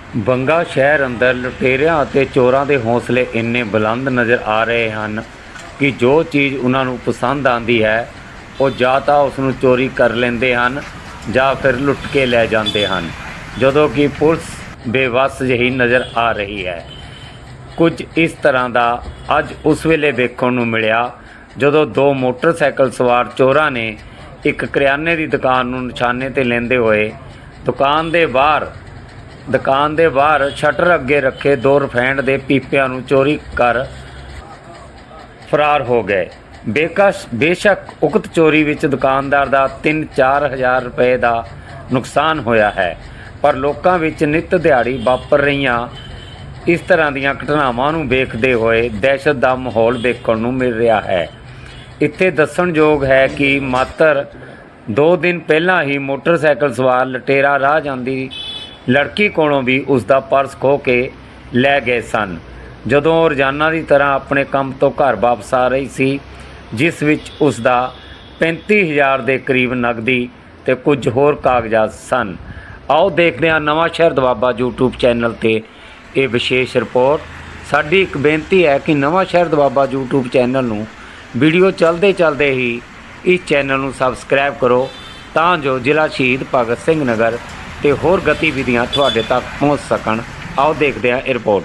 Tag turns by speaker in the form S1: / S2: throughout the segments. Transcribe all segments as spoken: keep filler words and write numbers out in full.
S1: ਬੰਗਾ ਸ਼ਹਿਰ ਅੰਦਰ ਲੁਟੇਰਿਆਂ ਅਤੇ ਚੋਰਾਂ ਦੇ ਹੌਸਲੇ ਇੰਨੇ ਬੁਲੰਦ ਨਜ਼ਰ ਆ ਰਹੇ ਹਨ ਕਿ ਜੋ ਚੀਜ਼ ਉਹਨਾਂ ਨੂੰ ਪਸੰਦ ਆਉਂਦੀ ਹੈ ਉਹ ਜਾਂ ਤਾਂ ਉਸ ਨੂੰ ਚੋਰੀ ਕਰ ਲੈਂਦੇ ਹਨ ਜਾਂ ਫਿਰ ਲੁੱਟ ਕੇ ਲੈ ਜਾਂਦੇ ਹਨ, ਜਦੋਂ ਕਿ ਪੁਲਿਸ ਬੇਵੱਸ ਜਿਹੀ ਨਜ਼ਰ ਆ ਰਹੀ ਹੈ। ਕੁਝ ਇਸ ਤਰ੍ਹਾਂ ਦਾ ਅੱਜ ਉਸ ਵੇਲੇ ਵੇਖਣ ਨੂੰ ਮਿਲਿਆ ਜਦੋਂ ਦੋ ਮੋਟਰਸਾਈਕਲ ਸਵਾਰ ਚੋਰਾਂ ਨੇ ਇੱਕ ਕਰਿਆਨੇ ਦੀ ਦੁਕਾਨ ਨੂੰ ਨਿਸ਼ਾਨੇ 'ਤੇ ਲੈਂਦੇ ਹੋਏ ਦੁਕਾਨ ਦੇ ਬਾਹਰ ਦੁਕਾਨ ਦੇ ਬਾਹਰ ਸ਼ਟਰ ਅੱਗੇ ਰੱਖੇ ਦੋ ਰਿਫਾਈਂਡ ਦੇ ਪੀਪਿਆਂ ਨੂੰ ਚੋਰੀ ਕਰ ਫਰਾਰ ਹੋ ਗਏ। ਬੇਕਸ਼ ਬੇਸ਼ੱਕ ਉਕਤ ਚੋਰੀ ਵਿੱਚ ਦੁਕਾਨਦਾਰ ਦਾ ਤਿੰਨ ਚਾਰ ਹਜ਼ਾਰ ਰੁਪਏ ਦਾ ਨੁਕਸਾਨ ਹੋਇਆ ਹੈ, ਪਰ ਲੋਕਾਂ ਵਿੱਚ ਨਿੱਤ ਦਿਹਾੜੀ ਵਾਪਰ ਰਹੀਆਂ ਇਸ ਤਰ੍ਹਾਂ ਦੀਆਂ ਘਟਨਾਵਾਂ ਨੂੰ ਵੇਖਦੇ ਹੋਏ ਦਹਿਸ਼ਤ ਦਾ ਮਾਹੌਲ ਵੇਖਣ ਨੂੰ ਮਿਲ ਰਿਹਾ ਹੈ। ਇੱਥੇ ਦੱਸਣਯੋਗ ਹੈ ਕਿ ਮਾਤਰ ਦੋ ਦਿਨ ਪਹਿਲਾਂ ਹੀ ਮੋਟਰਸਾਈਕਲ ਸਵਾਰ ਲੁਟੇਰਾ ਰਾਹ ਜਾਂਦੀ ਲੜਕੀ ਕੋਲੋਂ ਵੀ ਉਸ ਦਾ ਪਰਸ ਖੋਹ ਕੇ ਲੈ ਗਏ ਸਨ, ਜਦੋਂ ਉਹ ਰੋਜ਼ਾਨਾ ਦੀ ਤਰ੍ਹਾਂ ਆਪਣੇ ਕੰਮ ਤੋਂ ਘਰ ਵਾਪਸ ਆ ਰਹੀ ਸੀ, ਜਿਸ ਵਿੱਚ ਉਸ ਦਾ ਪੈਂਤੀ ਹਜ਼ਾਰ ਦੇ ਕਰੀਬ ਨਕਦੀ ਅਤੇ ਕੁਝ ਹੋਰ ਕਾਗਜ਼ਾਤ ਸਨ। ਆਓ ਦੇਖਦੇ ਹਾਂ ਨਵਾਂ ਸ਼ਹਿਰ ਦੁਆਬਾ ਯੂਟਿਊਬ ਚੈਨਲ 'ਤੇ ਇਹ ਵਿਸ਼ੇਸ਼ ਰਿਪੋਰਟ। ਸਾਡੀ ਇੱਕ ਬੇਨਤੀ ਹੈ ਕਿ Nawanshahr Doaba YouTube channel ਨੂੰ ਵੀਡੀਓ ਚੱਲਦੇ ਚੱਲਦੇ ਹੀ ਇਸ ਚੈਨਲ ਨੂੰ ਸਬਸਕ੍ਰਾਈਬ ਕਰੋ, ਤਾਂ ਜੋ ਜ਼ਿਲ੍ਹਾ ਸ਼ਹੀਦ ਭਗਤ ਸਿੰਘ ਨਗਰ ਅਤੇ ਹੋਰ ਗਤੀਵਿਧੀਆਂ ਤੁਹਾਡੇ ਤੱਕ ਪਹੁੰਚ ਸਕਣ। ਆਓ ਦੇਖਦੇ ਹਾਂ ਇਹ ਰਿਪੋਰਟ।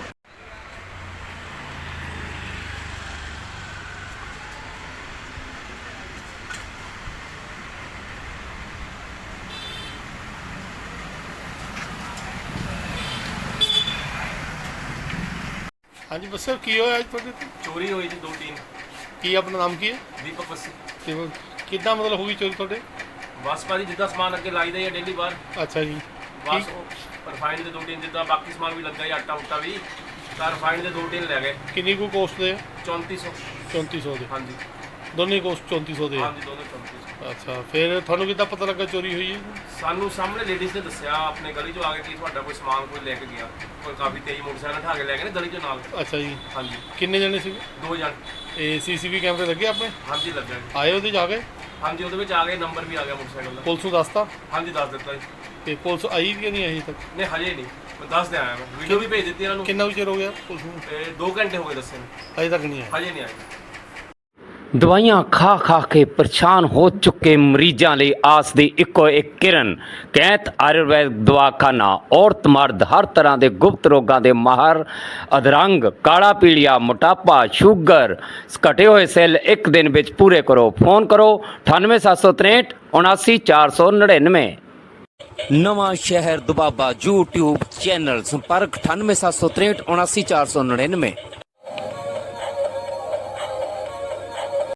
S2: हाँ जी बस की होया अज तुहाडे ते?
S3: चोरी हुई जी दो तीन।
S2: की अपना नाम की है?
S3: दीपक बस्सी।
S2: ते कितना मतलब होगी चोरी तुहाडे?
S3: बस भाजी जिदा समान अगे लाई दा डेली बाहर
S2: अच्छा जी।
S3: बस रिफाइंड के दो तीन जिदा बाकी समान भी लगा आटा उटा भी तो रिफाइंड के दो तीन लै गए।
S2: किन्नी को कोस्ट दे?
S3: चौंती सौ।
S2: चौंती सौ दे?
S3: हाँ जी
S2: दोनों कोस्ट चौंती सौ दे?
S3: हाँ जी दोनों चौंती सौ।
S2: अच्छा फिर थानू कितना पता लगा चोरी हुई है?
S3: सानू सामने लेडीज़ ने दसिया अपने गली चो आ गए कि तुहाडा कोई समान कोई लैके गया, कोई काफ़ी तेज मोटरसाइकिल उठा के लै गए गली चो नाल।
S2: अच्छा जी।
S3: हाँ जी
S2: किन्ने जने सी?
S3: दो जन।
S2: ए सीसीटीवी कैमरे लगे अपने?
S3: हाँ जी लग गए।
S2: आए ਉਹਦੇ ਜਾ ਕੇ?
S3: हाँ जी ਉਹਦੇ आ गए, नंबर भी आ गया मोटरसाइकिल का।
S2: पुलिस ਨੂੰ ਦੱਸਤਾ?
S3: हाँ जी दस दिता जी।
S2: ਤੇ ਪੁਲਿਸ ਆਈ ਕਿ ਨਹੀਂ ਆਈ ਤੱਕ?
S3: नहीं हजे नहीं, मैं दस दे आया मैं, वीडियो भी भेज दी इन्होंने।
S2: ਕਿੰਨਾ ਚਿਰ ਹੋ ਗਿਆ ਪੁਲਿਸ ਨੂੰ?
S3: ते दो घंटे हो गए दसे ने,
S2: ਅਜੇ ਤੱਕ ਨਹੀਂ ਆਈ?
S3: हजे नहीं आई।
S1: ਦਵਾਈਆਂ ਖਾ ਖਾ ਕੇ ਪਰੇਸ਼ਾਨ ਹੋ ਚੁੱਕੇ ਮਰੀਜ਼ਾਂ ਲਈ ਆਸ ਦੀ ਇੱਕੋ ਇੱਕ ਕਿਰਨ ਕੈਂਤ ਆਯੁਰਵੈਦ ਦਵਾਖਾਨਾ। ਔਰਤ ਮਰਦ ਹਰ ਤਰ੍ਹਾਂ ਦੇ ਗੁਪਤ ਰੋਗਾਂ ਦੇ ਮਾਹਰ, ਅਧਰੰਗ, ਕਾਲਾ ਪੀਲੀਆ, ਮੋਟਾਪਾ, ਸ਼ੂਗਰ, ਘਟੇ ਹੋਏ ਸੈੱਲ ਇੱਕ ਦਿਨ ਵਿੱਚ ਪੂਰੇ ਕਰੋ। ਫੋਨ ਕਰੋ ਅਠਾਨਵੇਂ ਸੱਤ ਸੌ ਤਰੇਂਹਠ ਉਨਾਸੀ ਚਾਰ ਸੌ ਨੜਿਨਵੇਂ। ਨਵਾਂ ਸ਼ਹਿਰ ਦੁਆਬਾ YouTube ਚੈਨਲ, ਸੰਪਰਕ ਅਠਾਨਵੇਂ ਸੱਤ ਸੌ ਤਰੇਂਹਠ ਉਨਾਸੀ ਚਾਰ ਸੌ ਨੜਿਨਵੇਂ।